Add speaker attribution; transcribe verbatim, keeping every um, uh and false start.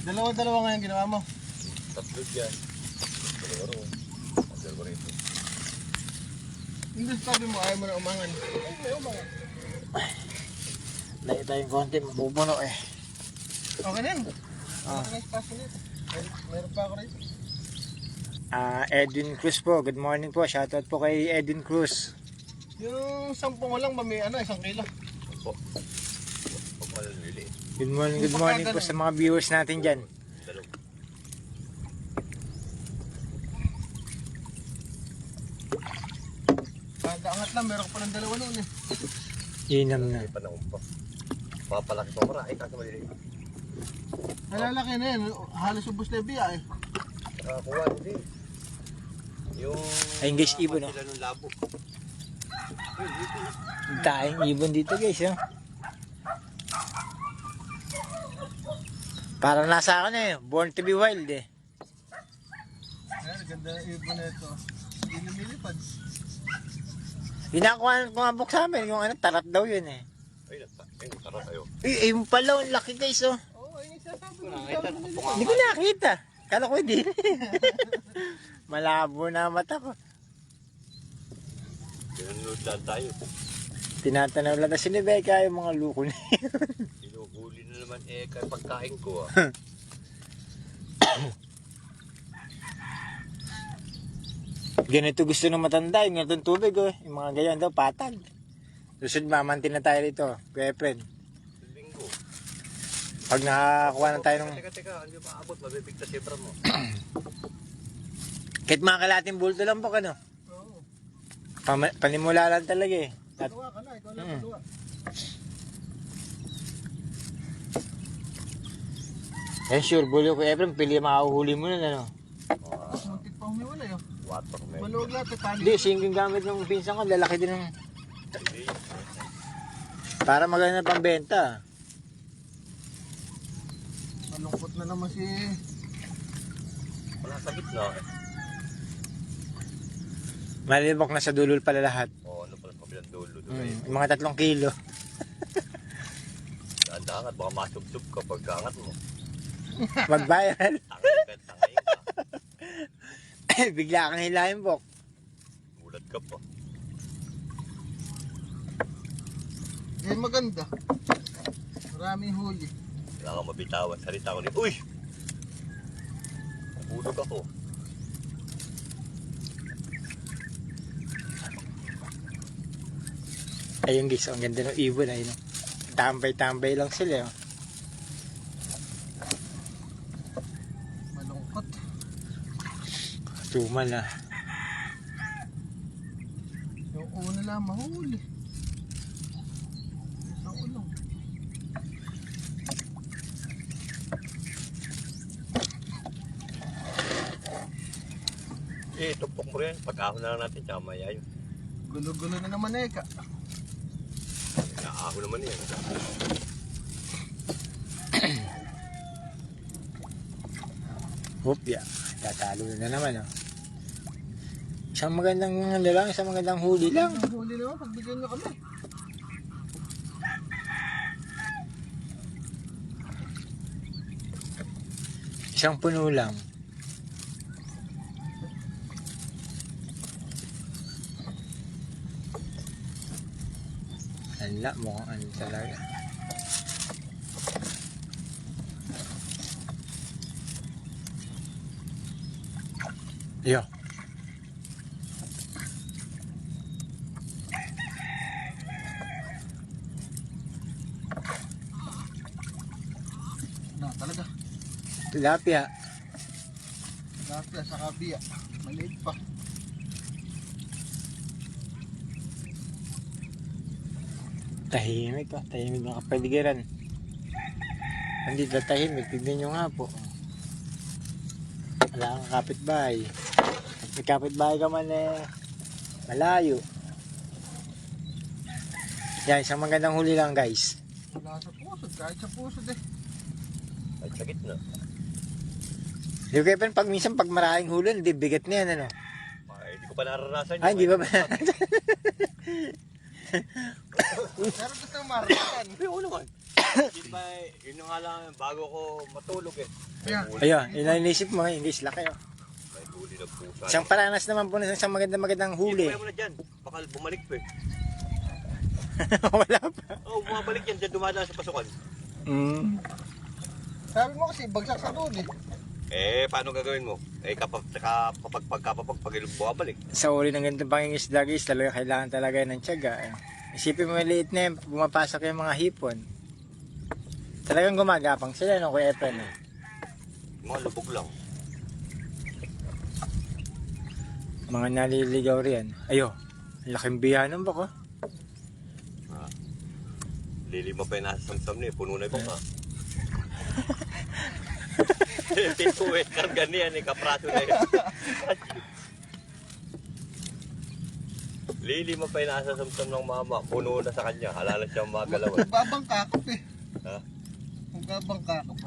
Speaker 1: Dalawa-dalawa nga yung ginawa mo.
Speaker 2: Tatlo dyan. Dalawa ron. Ang dalawa rito.
Speaker 1: Hindi sabi mo, ayaw mo na umangan. Ay, may umangan.
Speaker 3: Layo tayong konti, mabubuno eh.
Speaker 1: Okay na yan.
Speaker 3: Ah.
Speaker 1: Okay na yung spasyo nito. Meron, meron pa ako rito.
Speaker 3: Ah, Edwin Cruz po, good morning po. Shoutout po kay Edwin Cruz.
Speaker 1: Yung sampung lang, mami, ano, isang kilo.
Speaker 2: Opo. Huwag malalili.
Speaker 3: Good morning, good morning po sa mga viewers natin dyan.
Speaker 2: Dalawa.
Speaker 1: Kada angat lang, meron pa ng dalawa noon eh.
Speaker 3: Yinam na.
Speaker 2: May panahon pa. Papalaki pa mara. Ay, kasi maliliit.
Speaker 1: Nalalaki na yan. Halos ubos na yung biya eh.
Speaker 2: Nakakuha, hindi. Yung...
Speaker 3: Ayun guys, ibon, no?
Speaker 2: Sila nung labo.
Speaker 3: Tayong ibon dito guys, oh. Parang nasa akin eh, born to be wild eh.
Speaker 1: Ayan, ganda ng ibon na ito. Hindi lumilipad.
Speaker 3: Ginakuha ko nga book sa amin, yung ano, tarat daw yun eh.
Speaker 2: Ay, nagta. Ay, nagtara tayo.
Speaker 3: Eh, ayun pala, ang laki guys, oh.
Speaker 1: Oo, ay nagsasabi mo.
Speaker 3: Hindi ko nakita. Kala ko hindi. Malabo na ang mata ko.
Speaker 2: Pinanood lang tayo.
Speaker 3: Tinatanaw lang na si Nebeka yung mga luko na yun.
Speaker 2: Inuhuli na naman eh, kaya pagkain ko ah.
Speaker 3: Ganito gusto ng matanda, yung ganitong tubig oh. Yung mga ganyan daw, patag. Susunod mamantin na tayo rito, kuya Fred.
Speaker 2: Linggo.
Speaker 3: Pag nakakuha na tayo ng...
Speaker 2: Teka, teka, hindi maabot, mabibigtas yung bra mo.
Speaker 3: Kahit mga kalating bulto lang po, ano?
Speaker 1: Oo.
Speaker 3: Pam- panimula lang talaga eh. At,
Speaker 1: Pagawa ka na, ikaw lang
Speaker 3: Hmm.
Speaker 1: pagawa.
Speaker 3: eh sure, bulo ko Efrem, pili makahuhuli mo na, ano?
Speaker 1: Tapos muntik pa humiwalay oh.
Speaker 2: Water man.
Speaker 1: Maluwag lahat eh, tali.
Speaker 3: Hindi, singking gamit ng pinsan ko, lalaki din ng...
Speaker 2: Hindi.
Speaker 3: Para maganda pang benta.
Speaker 1: Malungkot na naman si...
Speaker 2: Wala sa gitna eh.
Speaker 3: Malibok na sa dulol pala lahat.
Speaker 2: O ano pala kabilang dulo. Doon
Speaker 3: Hmm, yung mga tatlong kilo.
Speaker 2: Daangat, baka masubsob ka pagkaangat mo.
Speaker 3: Mag-viral.
Speaker 2: Tangay ka, tangay ka.
Speaker 3: Bigla kang hilahin, Bok.
Speaker 2: Gulat ka pa.
Speaker 1: Eh maganda. Maraming huli.
Speaker 2: Wala kang mabitawan. Salita ko ni, uy! Nabulog ako.
Speaker 3: Ayun guys, ang ganda ng ibon. Ayun. Tambay-tambay lang sila. Oh.
Speaker 1: Malungkot.
Speaker 3: Tumal na.
Speaker 1: Yung una lang mahuli. Sa ulong.
Speaker 2: Eh, tumpok mo rin. Pag-ahon na lang natin, tsaka maya yun.
Speaker 1: Gulo-gulo na naman eh ka.
Speaker 2: Naahon naman yan.
Speaker 3: Hopya. Tatalo na naman. Oh. Isang magandang ano lang, isang magandang huli lang.
Speaker 1: Ang huli naman, pagbigyan nyo kami.
Speaker 3: Isang puno lang. Ala, mukhang ano talaga. Yo.
Speaker 1: Na talaga.
Speaker 3: Tilapia.
Speaker 1: Lapia sa kabiya. Maliit pa.
Speaker 3: Tahimik oh. Tahimik ng kapaligiran. Hindi na tahimik. Tignan nyo nga po. Wala kang kapitbahay. May kapitbahay ka man eh. Malayo. Yan, isang magandang huli lang guys.
Speaker 1: Wala sa pusod. Kahit sa pusod eh.
Speaker 2: Ay, sa gitna.
Speaker 3: Di ba kayo pag minsan pag maraming huli, hindi bigat na yan ano.
Speaker 2: Ay, hindi ko pa naranasan yun.
Speaker 3: Ay, hindi ba ba?
Speaker 1: Pero gusto mo maranasan.
Speaker 2: Ay, oo naman. Yun ba, yun nga lang, bago ko matulog eh. May
Speaker 1: Yeah.
Speaker 2: huli.
Speaker 3: Ayun, yun ang inisip mo, yung guys, laki oh.
Speaker 2: May huli na pusa.
Speaker 3: Isang paranas naman po na isang magandang magandang huli.
Speaker 2: Hindi mo na dyan. Baka bumalik pa eh.
Speaker 3: Wala pa.
Speaker 2: Oo, oh, bumabalik yan. Dyan dumadaan sa pasukan.
Speaker 3: Mm.
Speaker 1: Sabi mo kasi bagsak sa doon eh.
Speaker 2: Eh, paano gagawin mo? Eh, kapag kapag kapag pag bumabalik.
Speaker 3: Sa uli ng ganitong pangingisda guys, talaga kailangan talaga ng tiyaga. eh. Isipin mo maliit na yun, bumapasok yung mga hipon. Talagang gumagapang sila no, Kuya Efren. Eh.
Speaker 2: Mga lubog lang.
Speaker 3: Mga naliligaw riyan. Ayo, laking biyanan ba ko?
Speaker 2: Ah. Lilima pa yung nasa samsam niya. Puno na yung baka. Tipo eh, karga niya ni kapraso na yun. Lilima pa yung nasa samsam ng mama. Puno na sa kanya. Halala siyang magalaw.
Speaker 1: Magbabangka ka pa eh.
Speaker 2: Ha?
Speaker 1: Magbabangka ka pa.